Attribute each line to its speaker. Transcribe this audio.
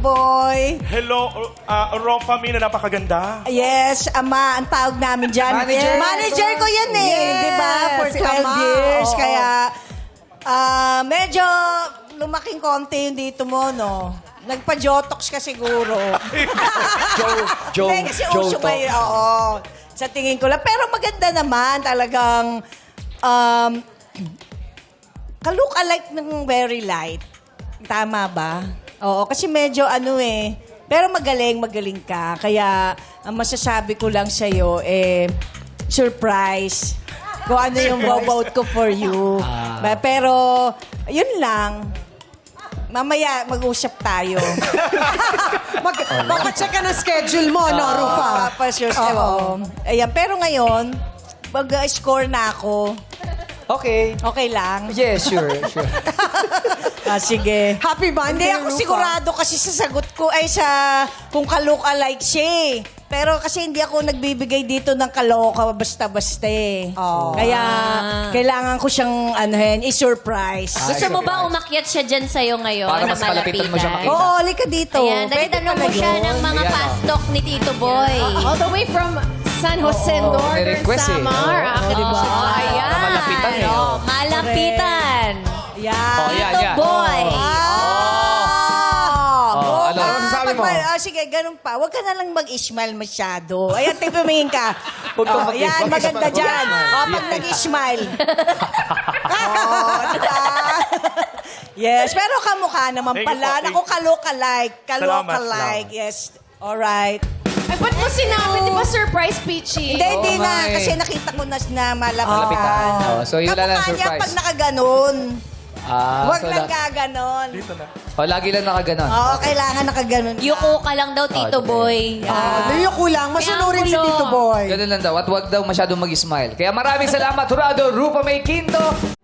Speaker 1: Boy.
Speaker 2: Hello, Rofa Mina, napakaganda.
Speaker 1: Yes, Ama, ang tawag namin dyan.
Speaker 3: Manager.
Speaker 1: Manager ko yan eh,
Speaker 3: Yes,
Speaker 1: di ba? For
Speaker 3: si
Speaker 1: 12
Speaker 3: Ama,
Speaker 1: years.
Speaker 3: oo.
Speaker 1: Kaya, medyo lumaking konti yung dito mo, no? Nagpa-jotox ka siguro. Hindi, kasi uso ngayon, oo. Sa tingin ko lang. Pero maganda naman, talagang, ka-look-alike ng very light. Tama ba? Oo, kasi medyo ano eh. Pero magaling ka. Kaya, ang masasabi ko lang sa'yo, surprise. Kung ano yung vote ko for you. Pero, yun lang. Mamaya, mag-usap tayo.
Speaker 3: Papacheck ka ng schedule mo, no, Rufa?
Speaker 1: Oo. Ayan, pero ngayon, mag-score na ako.
Speaker 4: Okay.
Speaker 1: Okay lang?
Speaker 4: Yes, sure.
Speaker 1: Sige.
Speaker 3: Happy
Speaker 1: Hindi
Speaker 3: Monday,
Speaker 1: ako
Speaker 3: Rufa.
Speaker 1: sigurado kasi sa sagot ko ay sa kung ka-look-alike siya eh. Pero kasi hindi ako nagbibigay dito ng kaloka basta-basta eh. Kaya kailangan ko siyang i-surprise.
Speaker 5: Gusto mo ba umakyat siya dyan sa'yo ngayon
Speaker 4: Para
Speaker 5: na
Speaker 4: mas malapitan mo siya makita.
Speaker 1: Oo, halika dito.
Speaker 5: Ayan, nagtanong mo siya ng mga
Speaker 4: Ayan,
Speaker 5: fast talk ni Tito Boy.
Speaker 6: All the way from San Jose,
Speaker 4: may
Speaker 6: Northern
Speaker 4: request eh.
Speaker 6: Samar.
Speaker 5: Diba? Ayan.
Speaker 4: Malapitan eh.
Speaker 5: Malapitan.
Speaker 1: Yan.
Speaker 4: Yan,
Speaker 5: Tito
Speaker 4: yan.
Speaker 5: Boy.
Speaker 4: Ano masasabi mo?
Speaker 1: Sige, ganun pa. Huwag ka na lang mag-smile masyado. Ayan, tipimingin ka.
Speaker 4: Huwag kang
Speaker 1: Yan, maganda dyan. Pag nag-smile. Diba? Yes, pero kamukha naman
Speaker 2: Thank you
Speaker 1: pala.
Speaker 2: po.
Speaker 1: Naku, ka-look-alike. Ka-look-alike.
Speaker 2: Salamat.
Speaker 1: Yes. Alright.
Speaker 6: Ay, ba't mo sinabi? Di ba surprise, Peachy?
Speaker 1: Hindi
Speaker 4: Oo
Speaker 1: na.
Speaker 4: nga eh.
Speaker 1: Kasi nakita ko na malapitan.
Speaker 4: Malapitan. So, yun lang
Speaker 1: Kamukha niya
Speaker 4: surprise.
Speaker 1: pag nakaganon. Huwag
Speaker 4: so
Speaker 1: lang gaganon.
Speaker 4: lagi lang nakaganon.
Speaker 1: Oo, kailangan nakaganon.
Speaker 5: Yuko ka lang daw, Tito Boy.
Speaker 3: Liyo kulang. Masunurin si
Speaker 5: Triangulo.
Speaker 3: Tito Boy.
Speaker 4: Ganun lang daw. At wag daw masyadong mag-smile. Kaya maraming salamat, Jurado Rupa May Quinto.